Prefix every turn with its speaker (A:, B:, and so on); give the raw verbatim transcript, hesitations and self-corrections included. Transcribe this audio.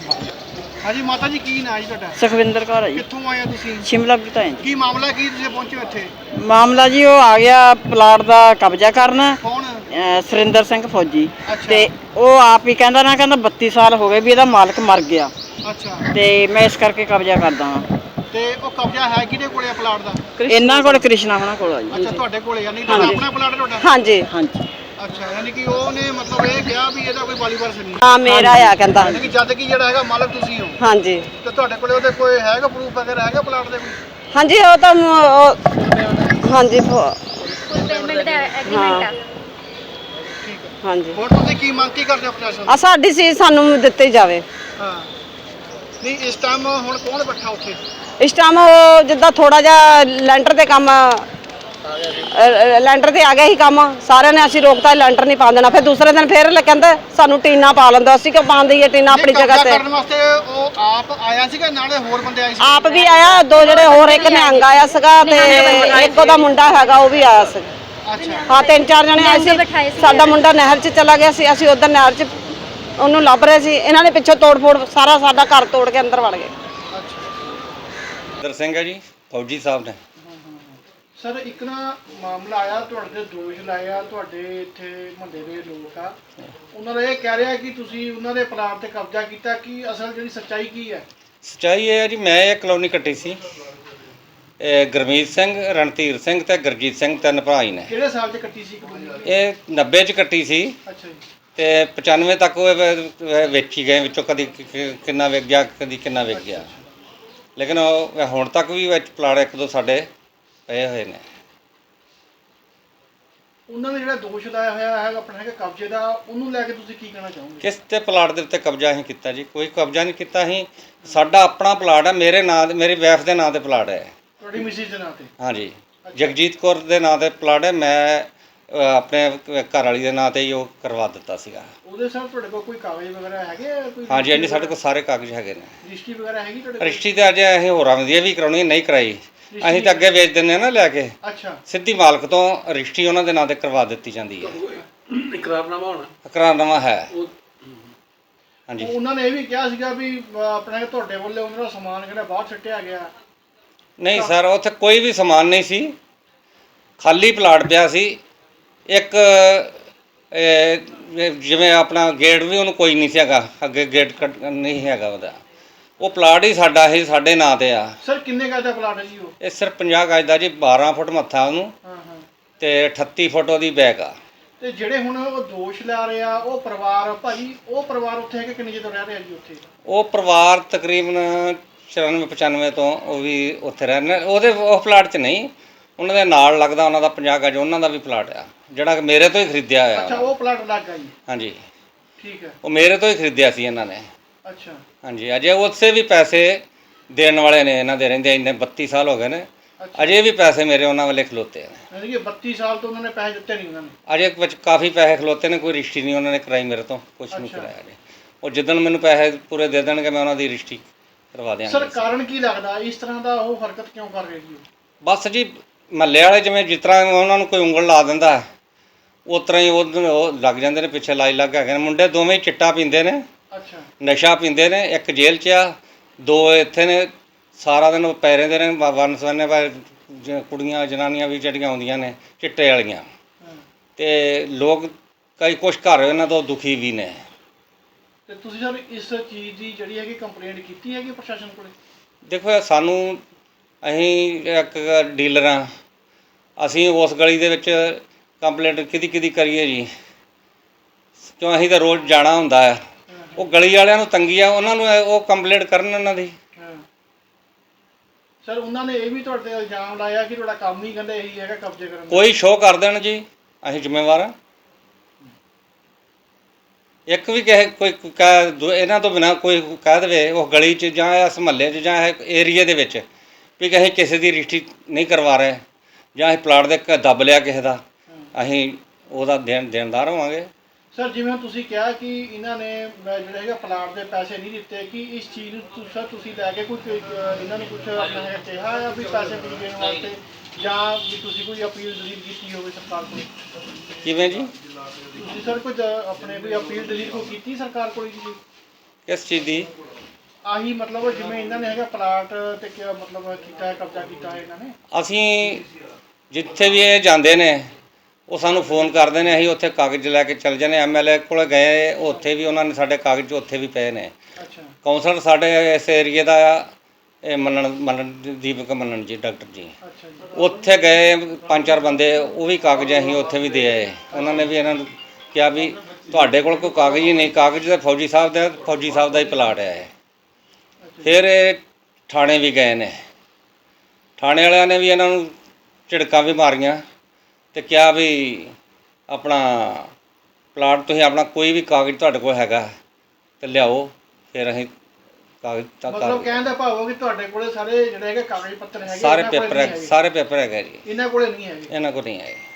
A: ਹਾਂਜੀ ਮਾਤਾ ਜੀ ਕੀ ਨਾਂ ਜੀ ਤੁਹਾਡਾ?
B: ਸੁਖਵਿੰਦਰ ਕੌਰ ਹੈ ਜੀ।
A: ਕਿੱਥੋਂ ਆਏ ਹੋ ਤੁਸੀਂ?
B: ਸ਼ਿਮਲਾ ਬਟਾਏ ਜੀ।
A: ਕੀ ਮਾਮਲਾ ਕੀ ਤੁਸੀਂ ਪਹੁੰਚੇ ਹੋ ਇੱਥੇ?
B: ਮਾਮਲਾ ਜੀ ਉਹ ਆ ਗਿਆ ਪਲਾਟ ਦਾ ਕਬਜ਼ਾ ਕਰਨ।
A: ਕੌਣ?
B: ਅਹ ਸੁਰਿੰਦਰ ਸਿੰਘ ਫੌਜੀ।
A: ਅੱਛਾ।
B: ਤੇ ਉਹ ਆਪ ਹੀ ਕਹਿੰਦਾ ਨਾ ਕਹਿੰਦਾ ਬੱਤੀ ਸਾਲ ਹੋ ਗਏ ਵੀ ਇਹਦਾ ਮਾਲਕ ਮਰ ਗਿਆ
A: ਅੱਛਾ।
B: ਤੇ ਮੈਂ ਇਸ ਕਰਕੇ ਕਬਜ਼ਾ ਕਰਦਾ ਹਾਂ।
A: ਤੇ ਉਹ ਕਬਜ਼ਾ ਹੈ ਕਿਹਦੇ ਕੋਲੇ ਆ ਪਲਾਟ ਦਾ?
B: ਇਹਨਾਂ ਕੋਲ ਕ੍ਰਿਸ਼ਨਾ ਹੋਣਾ ਕੋਲ ਆ ਜੀ।
A: ਅੱਛਾ ਤੁਹਾਡੇ ਕੋਲੇ ਆ? ਨਹੀਂ ਤੁਹਾਡਾ ਆਪਣਾ ਪਲਾਟ ਹੈ ਤੁਹਾਡਾ?
B: ਹਾਂਜੀ ਹਾਂਜੀ।
A: ਅੱਛਾ ਯਾਨੀ ਕਿ ਉਹਨੇ ਮਤਲਬ ਇਹ ਕਿਹਾ ਵੀ ਇਹਦਾ ਕੋਈ ਵਾਲੀ ਵਾਰਸ ਨਹੀਂ।
B: ਹਾਂ ਮੇਰਾ ਆ ਕਹਿੰਦਾ।
A: ਯਾਨੀ ਕਿ ਜਦ ਕਿ ਜਿਹੜਾ ਹੈਗਾ ਮਾਲਕ ਤੁਸੀਂ ਹੋ।
B: ਹਾਂਜੀ।
A: ਤੇ ਤੁਹਾਡੇ ਕੋਲੇ ਉਹਦੇ ਕੋਈ ਹੈਗਾ ਪ੍ਰੂਫ ਵਗੈਰਾ ਹੈਗਾ ਪਲਾਟ ਦੇ ਕੋਈ?
B: ਹਾਂਜੀ ਉਹ ਤਾਂ ਹਾਂਜੀ
C: ਪੇਮੈਂਟ ਦਾ ਐਗਰੀਮੈਂਟ ਆ।
A: ਠੀਕ ਹੈ।
B: ਹਾਂਜੀ।
A: ਹੋਰ ਤੁਸੀਂ ਕੀ ਮੰਗ ਕੀ ਕਰਦੇ ਹੋ ਪ੍ਰਸ਼ਾਸਨ
B: ਆ ਸਾਡੀ ਸੀ ਸਾਨੂੰ ਦਿੱਤੀ ਜਾਵੇ।
A: ਹਾਂ ਨਹੀਂ ਇਸ ਟਾਈਮ ਹੁਣ ਕੌਣ ਬੈਠਾ ਉੱਥੇ?
B: ਇਸ ਟਾਈਮ ਉਹ ਜਿੱਦਾਂ ਥੋੜਾ ਜਿਹਾ ਲੈਂਟਰ ਤੇ ਕੰਮ ਲੈਂਟਰ ਤੇ ਆ ਗਿਆ ਸੀ ਕੰਮ ਸਾਰਿਆਂ ਨੇ ਅਸੀਂ ਰੋਕਤਾ ਲੈਂਟਰ ਨਹੀਂ ਪਾ ਦੇਣਾ। ਫਿਰ ਦੂਸਰੇ ਦਿਨ ਫਿਰ ਕਹਿੰਦੇ ਸਾਨੂੰ ਟੀਨਾ ਪਾ ਲੈਂਦਾ। ਅਸੀਂ ਕਿਉਂ ਪਾਉਂਦੇ ਹੀ ਟੀਨਾ ਆਪਣੀ ਜਗ੍ਹਾ ਤੇ
A: ਕਰਨ ਵਾਸਤੇ ਉਹ ਆਪ ਆਇਆ ਸੀਗਾ ਨਾਲੇ ਹੋਰ ਬੰਦੇ ਆਏ ਸੀ?
B: ਆਪ ਵੀ ਆਇਆ ਦੋ ਜਿਹੜੇ ਹੋਰ ਇੱਕ ਨਿਹੰਗ ਆਇਆ ਸੀਗਾ ਤੇ ਇੱਕ ਉਹਦਾ ਮੁੰਡਾ ਹੈਗਾ ਉਹ ਵੀ ਆਇਆ ਸੀ।
A: ਅੱਛਾ।
B: ਹਾਂ ਤਿੰਨ ਚਾਰ ਜਣੇ ਆਏ ਸੀ। ਸਾਡਾ ਮੁੰਡਾ ਨਹਿਰ 'ਚ ਚਲਾ ਗਿਆ ਸੀ ਅਸੀਂ ਉਧਰ ਨਹਿਰ 'ਚ ਉਹਨੂੰ ਲੱਭ ਰਹੇ ਸੀ। ਇਹਨਾਂ ਨੇ ਪਿੱਛੋਂ ਤੋੜ ਫੋੜ ਸਾਰਾ ਸਾਡਾ ਘਰ ਤੋੜ ਕੇ ਅੰਦਰ ਵੜ ਗਏ।
D: ਦਰ ਸਿੰਘ ਹੈ ਜੀ ਫੌਜੀ ਸਾਹਿਬ ਨੇ।
A: ਸਰ ਇੱਕ ਨਾ ਮਾਮਲਾ ਆਇਆ ਤੁਹਾਡੇ ਤੇ ਦੋਸ਼ ਲਾਇਆ ਤੁਹਾਡੇ ਇੱਥੇ ਮੁਹੱਲੇ ਦੇ ਲੋਕ ਆ ਉਹਨਾਂ ਦਾ ਇਹ ਕਹਿ ਰਿਹਾ ਕਿ ਤੁਸੀਂ ਉਹਨਾਂ ਦੇ ਪਲਾਟ ਤੇ ਕਬਜ਼ਾ ਕੀਤਾ। ਕੀ ਅਸਲ ਜਿਹੜੀ ਸੱਚਾਈ ਕੀ ਹੈ?
D: ਸੱਚਾਈ ਇਹ ਹੈ ਜੀ ਮੈਂ ਇਹ ਕਲੋਨੀ ਕੱਟੀ ਸੀ। ਇਹ ਗੁਰਮੀਤ ਸਿੰਘ ਰਣਧੀਰ ਸਿੰਘ ਤੇ ਗੁਰਜੀਤ ਸਿੰਘ ਤਿੰਨ ਭਰਾ ਹੀ ਨੇ।
A: ਕਿਹੜੇ ਸਾਲ 'ਚ ਕੱਟੀ ਸੀ ਕਲੋਨੀ?
D: ਇਹ ਨੱਬੇ 'ਚ ਕੱਟੀ ਸੀ
A: ਅੱਛਾ ਜੀ।
D: ਤੇ ਪਚਾਨਵੇਂ ਤੱਕ ਉਹ ਵ- ਵੇਚੀ ਗਏ ਵਿੱਚੋਂ ਕਦੀ ਕਿ- ਕਿ- ਕਿੰਨਾ ਵਿਕ ਗਿਆ ਕਦੀ ਕਿੰਨਾ ਵਿਕ ਗਿਆ। ਲੇਕਿਨ ਉਹ ਹੁਣ ਤੱਕ ਵੀ ਵਿੱਚ ਪਲਾਟ ਇੱਕ ਦੋ ਸਾਡੇ ਪਏ ਹੋਏ ਨੇ।
A: ਉਹਨਾਂ ਨੇ ਜਿਹੜਾ ਦੋਸ਼ ਲਾਇਆ ਹੋਇਆ ਹੈ ਆਪਣਾ ਹੈਗਾ ਕਬਜ਼ੇ ਦਾ ਉਹਨੂੰ ਲੈ ਕੇ ਤੁਸੀਂ ਕੀ ਕਹਿਣਾ ਚਾਹੋਗੇ?
D: ਕਿਸ ਤੇ ਪਲਾਟ ਦੇ ਉੱਤੇ ਕਬਜ਼ਾ ਅਸੀਂ ਕੀਤਾ ਜੀ? ਕੋਈ ਕਬਜ਼ਾ ਨਹੀਂ ਕੀਤਾ ਅਸੀਂ। ਸਾਡਾ ਆਪਣਾ ਪਲਾਟ ਹੈ ਮੇਰੇ ਨਾਂ ਦੇ ਮੇਰੀ ਵਾਈਫ ਦੇ ਨਾਂ ਤੇ ਪਲਾਟ ਹੈ।
A: ਤੁਹਾਡੀ ਮਿਸਿਸ ਦੇ ਨਾਂ ਤੇ?
D: ਹਾਂਜੀ ਜਗਜੀਤ ਕੌਰ ਦੇ ਨਾਂ ਤੇ ਪਲਾਟ ਹੈ। ਮੈਂ ਅ, ਆਪਣੇ ਘਰ ਵਾਲੀ ਦੇ ਨਾਂ ਤੇ ਹੀ ਉਹ ਕਰਵਾ ਦਿੱਤਾ ਸੀਗਾ।
A: ਉਹਦੇ ਸਰ ਤੁਹਾਡੇ ਕੋਲ ਕੋਈ ਕਾਗਜ਼ ਵਗੈਰਾ ਹੈਗੇ ਆ? ਕੋਈ
D: ਹਾਂਜੀ ਹਾਂਜੀ ਸਾਡੇ ਕੋਲ ਸਾਰੇ ਕਾਗਜ਼ ਹੈਗੇ ਨੇ।
A: ਰਜਿਸਟਰੀ ਵਗੈਰਾ ਹੈਗੀ ਤੁਹਾਡੇ ਕੋਲ?
D: ਰਜਿਸਟਰੀ ਤੇ ਅੱਜ ਅਸੀਂ ਹੋਰਾਂ ਵਧੀਆ ਵੀ ਕਰਾਉਣੀ ਨਹੀਂ ਕਰਾਈ। ਅਸੀਂ ਤਾਂ ਅੱਗੇ ਵੇਚ ਦਿੰਦੇ ਆ ਨਾ ਲੈ ਕੇ।
A: ਅੱਛਾ।
D: ਸਿੱਧੀ ਮਾਲਕ ਤੋਂ ਰਜਿਸਟਰੀ ਉਹਨਾਂ ਦੇ ਨਾਂ ਤੇ ਕਰਵਾ ਦਿੱਤੀ ਜਾਂਦੀ ਹੈ।
A: ਇਕਰਾਰਨਾਮਾ ਹੋਣਾ?
D: ਇਕਰਾਰਨਾਮਾ ਹੈ। ਹਾਂਜੀ
A: ਉਹਨਾਂ ਨੇ ਇਹ ਵੀ ਕਿਹਾ ਸੀਗਾ ਵੀ ਆਪਣਾ ਤੁਹਾਡੇ ਵੱਲੋਂ ਉਹਨਾਂ ਦਾ ਸਮਾਨ ਜਿਹੜਾ ਬਾਹਰ ਛੱਟਿਆ ਗਿਆ।
D: ਨਹੀਂ ਸਰ ਉੱਥੇ ਕੋਈ ਵੀ ਸਮਾਨ ਨਹੀਂ ਸੀ। ਖਾਲੀ ਪਲਾਟ ਪਿਆ ਸੀ। ਇੱਕ ਜਿਵੇਂ ਆਪਣਾ ਗੇਟ ਵੀ ਉਹਨੂੰ ਕੋਈ ਨਹੀਂ ਸੀ ਹੈਗਾ ਅੱਗੇ ਗੇਟ ਕੱਟ ਨਹੀਂ ਹੈਗਾ ਉਹਦਾ। ਉਹ ਪਲਾਟ ਹੀ ਸਾਡਾ ਹੀ ਸਾਡੇ ਨਾਂ ਤੇ ਆ।
A: ਸਰ ਕਿੰਨੇ ਗਜ ਦਾ ਪਲਾਟ ਹੈ ਜੀ ਉਹ?
D: ਇਹ ਸਿਰਫ ਪੰਜਾਹ ਗਜ ਦਾ ਜੀ। ਬਾਰਾਂ ਫੁੱਟ ਮੱਥਾ ਉਹਨੂੰ
A: ਹਾਂ ਹਾਂ
D: ਤੇ ਅਠੱਤੀ ਫੁੱਟ ਉਹਦੀ ਬੈਕ ਆ।
A: ਤੇ ਜਿਹੜੇ ਹੁਣ ਉਹ ਦੋਸ਼ ਲਾ ਰਹੇ ਆ ਉਹ ਪਰਿਵਾਰ ਭਾਜੀ ਉਹ ਪਰਿਵਾਰ ਉੱਥੇ ਹੈ ਕਿ ਕਿੰਨੇ ਚਿਰ ਤੋਂ ਰਹਿ ਰਿਹਾ ਜੀ ਉੱਥੇ?
D: ਉਹ ਪਰਿਵਾਰ ਤਕਰੀਬਨ ਚੁਰਾਨਵੇਂ ਪਚਾਨਵੇਂ ਤੋਂ ਉਹ ਵੀ ਉੱਥੇ ਰਹਿੰਦੇ। ਉਹਦੇ ਉਹ ਪਲਾਟ 'ਚ ਨਹੀਂ ਉਹਨਾਂ ਦੇ ਨਾਲ ਲੱਗਦਾ ਉਹਨਾਂ ਦਾ ਪੰਜਾਹ ਗਜ ਉਹਨਾਂ ਦਾ ਵੀ ਪਲਾਟ ਆ ਜਿਹੜਾ ਮੇਰੇ ਤੋਂ ਹੀ ਖਰੀਦਿਆ ਹੋਇਆ।
A: ਅੱਛਾ ਉਹ ਪਲਾਟ ਲੱਗ ਗਿਆ ਜੀ?
D: ਹਾਂਜੀ
A: ਠੀਕ ਹੈ।
D: ਉਹ ਮੇਰੇ ਤੋਂ ਹੀ ਖਰੀਦਿਆ ਸੀ ਇਹਨਾਂ ਨੇ।
A: ਅੱਛਾ।
D: ਹਾਂਜੀ ਅਜੇ ਉਸੇ ਵੀ ਪੈਸੇ ਦੇਣ ਵਾਲੇ ਨੇ ਇਹਨਾਂ ਦੇ ਰਹਿੰਦੇ ਇੰਨੇ ਬੱਤੀ ਸਾਲ ਹੋ ਗਏ ਨੇ। ਅਜੇ ਵੀ ਪੈਸੇ ਮੇਰੇ ਉਹਨਾਂ ਵਾਲੇ ਖਲੋਤੇ ਨੇ।
A: ਯਾਨੀ ਕਿ ਬੱਤੀ ਸਾਲ ਤੋਂ ਉਹਨਾਂ ਨੇ ਪੈਸੇ ਦਿੱਤੇ ਨਹੀਂ ਉਹਨਾਂ ਨੇ?
D: ਅਜੇ ਵਿੱਚ ਕਾਫੀ ਪੈਸੇ ਖਲੋਤੇ ਨੇ। ਕੋਈ ਰਜਿਸਟਰੀ ਨਹੀਂ ਉਹਨਾਂ ਨੇ ਕਰਾਈ ਮੇਰੇ ਤੋਂ ਕੁਛ ਨਹੀਂ ਕਰਾਇਆ ਅਜੇ। ਉਹ ਜਿੱਦਣ ਮੈਨੂੰ ਪੈਸੇ ਪੂਰੇ ਦੇ ਦੇਣਗੇ ਮੈਂ ਉਹਨਾਂ ਦੀ ਰਜਿਸਟਰੀ ਕਰਵਾ ਦਿਆਂਗਾ।
A: ਸਰ ਕਾਰਨ ਕੀ ਲੱਗਦਾ ਇਸ ਤਰ੍ਹਾਂ ਦਾ ਉਹ ਹਰਕਤ ਕਿਉਂ ਕਰ ਰਹੇ ਜੀ?
D: ਬਸ ਜੀ ਮਹੱਲੇ ਵਾਲੇ ਜਿਵੇਂ ਜਿਸ ਤਰ੍ਹਾਂ ਉਹਨਾਂ ਨੂੰ ਕੋਈ ਉਂਗਲ ਲਾ ਦਿੰਦਾ ਉਸ ਤਰ੍ਹਾਂ ਹੀ ਉਹ ਲੱਗ ਜਾਂਦੇ ਨੇ ਪਿੱਛੇ ਲਾਈ ਲੱਗ ਹੈਗੇ ਨੇ। ਮੁੰਡੇ ਦੋਵੇਂ ਹੀ ਚਿੱਟਾ ਪੀਂਦੇ ਨੇ।
A: ਅੱਛਾ।
D: ਨਸ਼ਾ ਪੀਂਦੇ ਨੇ। ਇੱਕ ਜੇਲ੍ਹ 'ਚ ਆ ਦੋ ਇੱਥੇ ਨੇ। ਸਾਰਾ ਦਿਨ ਉਹ ਪੈ ਰਹਿੰਦੇ ਨੇ ਵੰਨ ਸਵੰਨੇ ਕੁੜੀਆਂ ਜਨਾਨੀਆਂ ਵੀ ਜਿਹੜੀਆਂ ਆਉਂਦੀਆਂ ਨੇ ਚਿੱਟੇ ਵਾਲੀਆਂ। ਅਤੇ ਲੋਕ ਕਈ ਕੁਛ ਘਰ ਇਹਨਾਂ ਤੋਂ ਦੁਖੀ ਵੀ ਨੇ।
A: ਤੇ ਤੁਸੀਂ ਸਰ ਇਸ ਚੀਜ਼ ਦੀ ਜਿਹੜੀ ਹੈਗੀ ਕੰਪਲੇਂਟ ਕੀਤੀ ਹੈਗੀ ਪ੍ਰਸ਼ਾਸਨ ਕੋਲੇ?
D: ਦੇਖੋ ਸਾਨੂੰ ਅਸੀਂ ਇੱਕ ਡੀਲਰ ਹਾਂ। ਅਸੀਂ ਉਸ ਗਲੀ ਦੇ ਵਿੱਚ ਕੰਪਲੇਂਟ ਕਿਹਦੀ ਕਿਹਦੀ ਕਰੀਏ ਜੀ ਕਿਉਂ ਅਸੀਂ ਤਾਂ ਰੋਜ਼ ਜਾਣਾ ਹੁੰਦਾ ਆ। ਉਹ ਗਲੀ ਵਾਲਿਆਂ ਨੂੰ ਤੰਗੀ ਆ ਉਹਨਾਂ ਨੂੰ ਉਹ ਕੰਪਲੇਂਟ ਕਰਨ ਉਹਨਾਂ ਦੀ।
A: ਸਰ ਉਹਨਾਂ ਨੇ ਇਹ ਵੀ ਤੁਹਾਡੇ ਤੇ ਇਲਜ਼ਾਮ ਲਾਇਆ ਕਿ ਤੁਹਾਡਾ ਕੰਮ ਹੀ ਕਹਿੰਦੇ ਇਹੀ ਹੈਗਾ ਕਬਜ਼ੇ ਕਰਨ ਦਾ।
D: ਕੋਈ ਸ਼ੋਅ ਕਰ ਦੇਣ ਜੀ ਅਸੀਂ ਜ਼ਿੰਮੇਵਾਰ ਹਾਂ। ਇੱਕ ਵੀ ਕਿਸੇ ਕੋਈ ਕਹਿ ਇਹਨਾਂ ਤੋਂ ਬਿਨਾਂ ਕੋਈ ਕਹਿ ਦੇਵੇ ਉਹ ਗਲੀ 'ਚ ਜਾਂ ਇਸ ਮੁਹੱਲੇ 'ਚ ਜਾਂ ਏਰੀਏ ਦੇ ਵਿੱਚ ਵੀ ਅਸੀਂ ਕਿਸੇ ਦੀ ਰਜਿਸਟਰੀ ਨਹੀਂ ਕਰਵਾ ਰਹੇ ਜਾਂ ਅਸੀਂ ਪਲਾਟ ਦੇ ਦੱਬ ਲਿਆ ਕਿਸੇ ਦਾ ਅਸੀਂ ਉਹਦਾ ਦੇਣ ਦੇਣਦਾਰ ਹੋਵਾਂਗੇ।
A: ਸਰ ਜਿਵੇਂ ਤੁਸੀਂ ਕਿਹਾ ਕਿ ਇਹਨਾਂ ਨੇ ਜਿਹੜਾ ਹੈਗਾ ਪਲਾਟ ਦੇ ਪੈਸੇ ਨਹੀਂ ਦਿੱਤੇ ਕਿ ਇਸ ਚੀਜ਼ ਨੂੰ ਸਰ ਤੁਸੀਂ ਲੈ ਕੇ ਕੋਈ ਇਹਨਾਂ ਨੂੰ ਕੁਝ ਆਪਣਾ ਹੈਗਾ ਕਿਹਾ ਆ ਵੀ ਪੈਸੇ ਨਹੀਂ ਦੇਣ ਵਾਸਤੇ ਜਾਂ ਵੀ ਤੁਸੀਂ ਕੋਈ ਅਪੀਲ ਦਲੀਲ ਕੀਤੀ ਹੋਵੇ ਸਰਕਾਰ ਕੋਲ?
D: ਕਿਵੇਂ ਜੀ?
A: ਤੁਸੀਂ ਸਰ ਕੁਝ ਆਪਣੇ ਕੋਈ ਅਪੀਲ ਦਲੀਲ ਕੋਈ ਕੀਤੀ ਸਰਕਾਰ ਕੋਲ ਜੀ?
D: ਕਿਸ ਚੀਜ਼ ਦੀ?
A: ਆਹੀ ਮਤਲਬ ਜਿਵੇਂ ਇਹਨਾਂ ਨੇ ਹੈਗਾ ਪਲਾਟ ਤੇ ਕਿਆ ਮਤਲਬ ਕੀਤਾ ਹੈ, ਕਬਜ਼ਾ ਕੀਤਾ ਹੈ ਇਹਨਾਂ ਨੇ?
D: ਅਸੀਂ ਜਿੱਥੇ ਵੀ ਇਹ ਜਾਂਦੇ ਨੇ ਉਹ ਸਾਨੂੰ ਫੋਨ ਕਰਦੇ ਨੇ, ਅਸੀਂ ਉੱਥੇ ਕਾਗਜ਼ ਲੈ ਕੇ ਚੱਲ ਜਾਂਦੇ। ਐਮ ਐਲ ਏ ਕੋਲ ਗਏ, ਉੱਥੇ ਵੀ ਉਹਨਾਂ ਨੇ ਸਾਡੇ ਕਾਗਜ਼ ਉੱਥੇ ਵੀ ਪਏ ਨੇ।
A: ਅੱਛਾ
D: ਕਾਉਂਸਲਰ ਸਾਡੇ ਇਸ ਏਰੀਏ ਦਾ ਆ ਇਹ ਮੰਨਣ ਮੰਨਣ ਦੀਪਕ ਮੰਨਣ ਜੀ, ਡਾਕਟਰ ਜੀ,
A: ਅੱਛਾ ਜੀ।
D: ਉੱਥੇ ਗਏ ਪੰਜ ਚਾਰ ਬੰਦੇ, ਉਹ ਵੀ ਕਾਗਜ਼ ਅਸੀਂ ਉੱਥੇ ਵੀ ਦੇ ਆਏ। ਉਹਨਾਂ ਨੇ ਵੀ ਇਹਨਾਂ ਨੂੰ ਕਿਹਾ ਵੀ ਤੁਹਾਡੇ ਕੋਲ ਕੋਈ ਕਾਗਜ਼ ਹੀ ਨਹੀਂ, ਕਾਗਜ਼ ਤਾਂ ਫੌਜੀ ਸਾਹਿਬ ਦਾ ਫੌਜੀ ਸਾਹਿਬ ਦਾ ਹੀ ਪਲਾਟ ਹੈ ਇਹ। ਫਿਰ ਇਹ ਥਾਣੇ ਵੀ ਗਏ ਨੇ, ਥਾਣੇ ਵਾਲਿਆਂ ਨੇ ਵੀ ਇਹਨਾਂ ਨੂੰ ਝਿੜਕਾਂ ਵੀ ਮਾਰੀਆਂ ਤੇ ਕਿਹਾ ਵੀ ਆਪਣਾ ਪਲਾਟ ਤੁਸੀਂ ਆਪਣਾ ਕੋਈ ਵੀ ਕਾਗਜ਼ ਤੁਹਾਡੇ ਕੋਲ ਹੈਗਾ ਤੇ ਲਿਆਓ, ਫਿਰ ਅਸੀਂ ਕਾਗਜ਼ ਤਾਂ
A: ਮਤਲਬ ਕਹਿਣ ਦਾ ਭਾਵ ਹੈ ਕਿ ਤੁਹਾਡੇ ਕੋਲੇ ਸਾਰੇ ਜਿਹੜੇ ਹੈਗੇ ਕਾਗਜ਼ ਪੱਤਰ ਹੈਗੇ,
D: ਸਾਰੇ
A: ਇਹਨਾਂ ਕੋਲੇ
D: ਪੇਪਰ
A: ਨਹੀਂ
D: ਹੈ,
A: ਹੈਗੇ।
D: ਸਾਰੇ ਪੇਪਰ ਹੈਗੇ ਜੀ,
A: ਇਹਨਾਂ ਕੋਲੇ ਨਹੀਂ ਹੈਗੇ।
D: ਇਹਨਾਂ ਕੋਲ ਨਹੀਂ ਆਏ।